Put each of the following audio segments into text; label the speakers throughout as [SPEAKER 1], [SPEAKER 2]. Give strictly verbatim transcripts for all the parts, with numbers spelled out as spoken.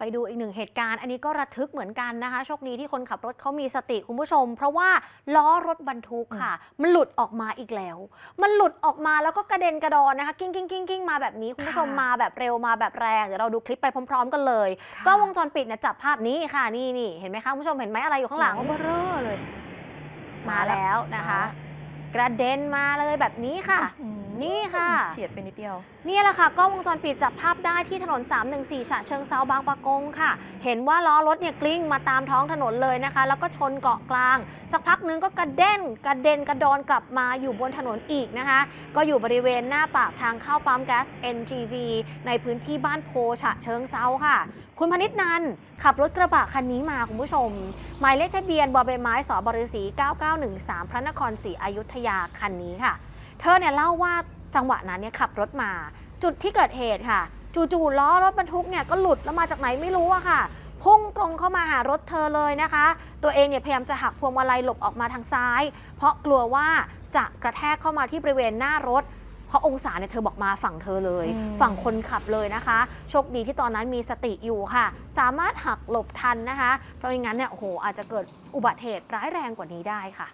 [SPEAKER 1] ดูอีกหนึ่งเหตุการณ์อันนี้ก็ระทึกเหมือนกันนะคะโชคดีที่คนขับรถเขามีสติคุณผู้ชมเพราะว่าล้อรถบรรทุกค่ะมันหลุดออกมาอีกแล้วมันหลุดออกมาแล้วก็กระเด็นกระดอนนะคะกิ้งกิ้งกิ้งกิ้งมาแบบนี้คุณผู้ชมมาแบบเร็วมาแบบแรงเดี๋ยวเราดูคลิปไปพร้อมๆกันเลยกล้องวงจรปิดเนี่ยจับภาพนี้ค่ะนี่นี่เห็นไหมคะคุณผู้ชมเห็นไหมอะไรอยู่ข้างหลัง
[SPEAKER 2] เบอร์เร่อเลย
[SPEAKER 1] มาแล้วนะคะกระเด็นมาเลยแบบนี้ค่ะนี่ค่ะ
[SPEAKER 2] เฉียดไปนิดเดียว
[SPEAKER 1] นี่แหละค่ะกล้องวงจรปิดจับภาพได้ที่ถนนสามหนึ่งสี่ฉะเชิงเทราบางปะกงค่ะเห็นว่าล้อรถเนี่ยกลิ้งมาตามท้องถนนเลยนะคะแล้วก็ชนเกาะกลางสักพักนึงก็กระเด็นกระเด็นกระดอนกลับมาอยู่บนถนนอีกนะคะก็อยู่บริเวณหน้าปากทางเข้าปั๊มแก๊ส เอ็น จี วี ในพื้นที่บ้านโพฉะเชิงเทราค่ะคุณพนิษฐ์นันขับรถกระบะคันนี้มาคุณผู้ชมหมายเลขทะเบียนบใบไม้สบฤษีเก้าเก้าหนึ่งสามพระนครศรีอยุธยาคันนี้ค่ะเธอเนี่ยเล่าว่าจังหวะนั้นเนี่ยขับรถมาจุดที่เกิดเหตุค่ะจู่ๆล้อรถบรรทุกเนี่ยก็หลุดแล้วมาจากไหนไม่รู้อะค่ะพุ่งตรงเข้ามาหารถเธอเลยนะคะตัวเองเนี่ยพยายามจะหักพวงมาลัยหลบออกมาทางซ้ายเพราะกลัวว่าจะกระแทกเข้ามาที่บริเวณหน้ารถเพราะองศาเนี่ยเธอบอกมาฝั่งเธอเลยฝั่งคนขับเลยนะคะโชคดีที่ตอนนั้นมีสติอยู่ค่ะสามารถหักหลบทันนะคะเพราะไม่งั้นเนี่ยโอ้โหอาจจะเกิดอุบัติเหตุร้ายแรงกว่านี้ได้ค่ะ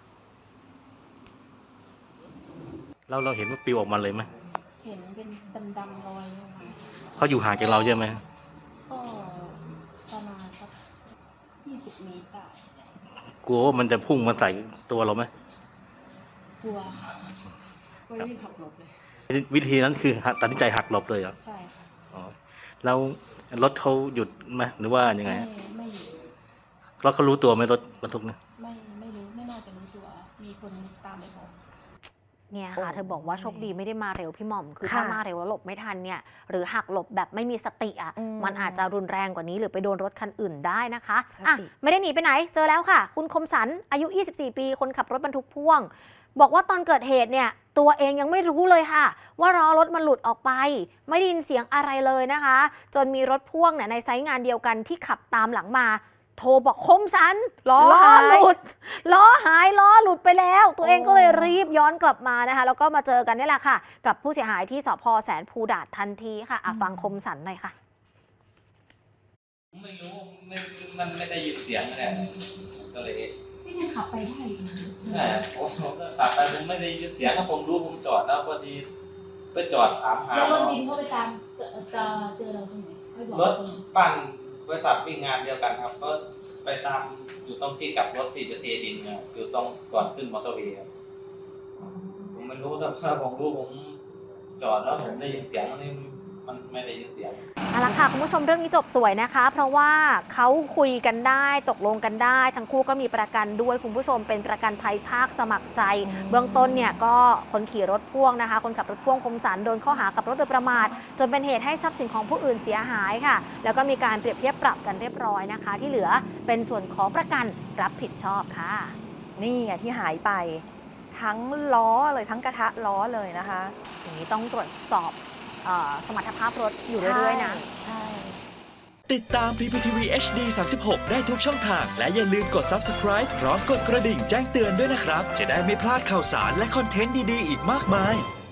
[SPEAKER 3] เราเราเห็นว่าปลิวออกมาเลยไหม
[SPEAKER 4] เห็นเป็นดำๆลอยออกมา
[SPEAKER 3] เขาอยู่ห่างจากเราเยอะไหม
[SPEAKER 4] ก็ประมาณสักยี่สิบเมตรได้
[SPEAKER 3] กลัวว่ามันจะพุ่งมาใส่ตัวเราไหม
[SPEAKER 4] กลัวค่ะก็รีบหักหลบเลย
[SPEAKER 3] วิธีนั้นคือตัดสินใจหักหลบเลยเหรอ
[SPEAKER 4] ใช่ค่ะ
[SPEAKER 3] อ๋อแล้วรถเขาหยุดไหมหรือว่ายังไง
[SPEAKER 4] ไม่ไม่หยุด
[SPEAKER 3] แล้วเขารู้ตัวไหมรถบรรทุกเนี่ย
[SPEAKER 4] ไม่ไม่รู้ไม่น่าจะรู้ตัวมีคนตามไปบอก
[SPEAKER 1] เนี่ยค่ะเธอบอกว่าโชคดีไม่ได้มาเร็วพี่หม่อมคือถ้ามาเร็วแล้วหลบไม่ทันเนี่ยหรือหักหลบแบบไม่มีสติอ่ะมันอาจจะรุนแรงกว่านี้หรือไปโดนรถคันอื่นได้นะคะอ่ะไม่ได้หนีไปไหนเจอแล้วค่ะคุณคมสันอายุยี่สิบสี่ปีคนขับรถบรรทุกพ่วงบอกว่าตอนเกิดเหตุเนี่ยตัวเองยังไม่รู้เลยค่ะว่าล้อรถมันหลุดออกไปไม่ได้ยินเสียงอะไรเลยนะคะจนมีรถพ่วงเนี่ยในไซต์งานเดียวกันที่ขับตามหลังมาโทรบอกคมสันล้อหลุดล้อหายล้อหลุดไปแล้วตัวเองก็เลยรีบย้อนกลับมานะคะแล้วก็มาเจอกันนี่แหละค่ะกับผู้เสียหายที่สภ.แสนภูดาษทันทีค่ะอ่ะฟังคมสันหน่อยค่ะ
[SPEAKER 5] ไม่รู้ไม่มันไม่ได้ยินเสียงอะไรก็เลย
[SPEAKER 4] ไม่ยังขับไปได้
[SPEAKER 5] ใช่ผมก็ขับไปผมไม่ได้ยินเสียงถ้าผมรู้ผมจอดแล้วพอดีไปจอดถามหา
[SPEAKER 4] แล้วรถดินเขาไปตามจะเจอเราตรงไหน
[SPEAKER 5] รถบ้านบริษัทวิ่งงานเดียวกันครับก็ไปตามอยู่ตรงที่กลับรถที่จะเทดินเนี่ยอยู่ตรงก่อนขึ้นมอเตอร์เวย์ผมไม่รู้ถ้าผมรู้ผมจอดแล้วผมได้ยินเสียงนี่มันไม่ได้ยินเสียง
[SPEAKER 1] เอาละค่ะคุณผู้ชมเรื่องนี้จบสวยนะคะเพราะว่าเขาคุยกันได้ตกลงกันได้ทั้งคู่ก็มีประกันด้วยคุณผู้ชมเป็นประกันภัยภาคสมัครใจเบื้องต้นเนี่ยก็คนขี่รถพ่วงนะคะคนขับรถพ่วงคมสันโดนข้อหาขับรถโดยประมาทจนเป็นเหตุให้ทรัพย์สินของผู้อื่นเสียหายค่ะแล้วก็มีการเปรียบเทียบปรับกันเรียบร้อยนะคะที่เหลือเป็นส่วนของประกันรับผิดชอบค่ะ
[SPEAKER 2] นี่ไงที่หายไปทั้งล้อเลยทั้งกระทะล้อเลยนะคะ
[SPEAKER 1] อย่างนี้ต้องตรวจสอบสมรรถภาพรถอยู่เรื่อยๆนะ
[SPEAKER 2] ใช่
[SPEAKER 6] ติดตาม พี พี ที วี เอช ดี สามสิบหก ได้ทุกช่องทางและอย่าลืมกด ซับสไครบ์ พร้อมกดกระดิ่งแจ้งเตือนด้วยนะครับจะได้ไม่พลาดข่าวสารและคอนเทนต์ดีๆอีกมากมาย